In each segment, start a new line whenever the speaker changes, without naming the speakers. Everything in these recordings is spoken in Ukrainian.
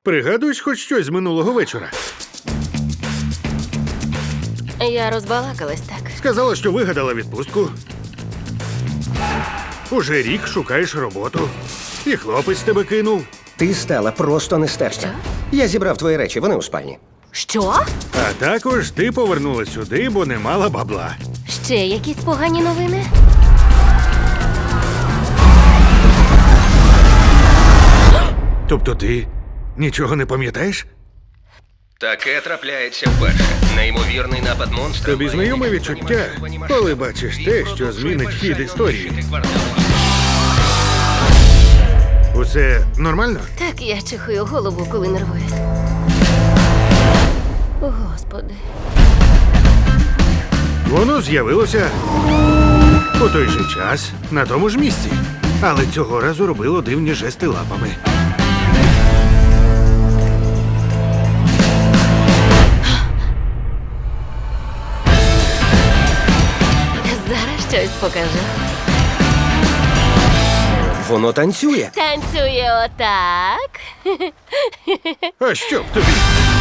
Пригадуєш хоч щось з минулого вечора?
Я розбалакалась так.
Сказала, що вигадала відпустку. Уже рік шукаєш роботу. І хлопець тебе кинув.
Ти стала просто нестерпна. Я зібрав твої речі, вони у спальні.
Що?
А також ти повернула сюди, бо не мала бабла.
Ще якісь погані новини?
Тобто ти нічого не пам'ятаєш?
Таке трапляється вперше. Неймовірний напад монстра.
Тобі знайоме відчуття, коли бачиш те, що змінить хід історії. Усе нормально?
Так, я чихую голову, коли нервуюсь. Господи.
Воно з'явилося у той же час, на тому ж місці. Але цього разу робило дивні жести лапами.
Зараз щось покажу.
Воно танцює.
Танцює отак.
А що б тобі?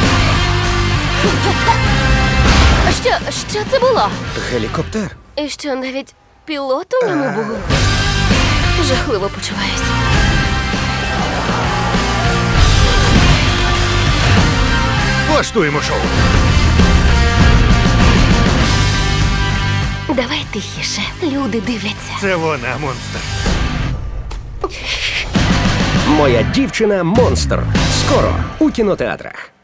Що це було?
Гелікоптер.
І що, навіть пілот у ньому був? Жахливо почуваюся.
Влаштуємо шоу.
Давай тихіше. Люди дивляться.
Це вона, монстр.
Моя дівчина монстр. Скоро у кінотеатрах.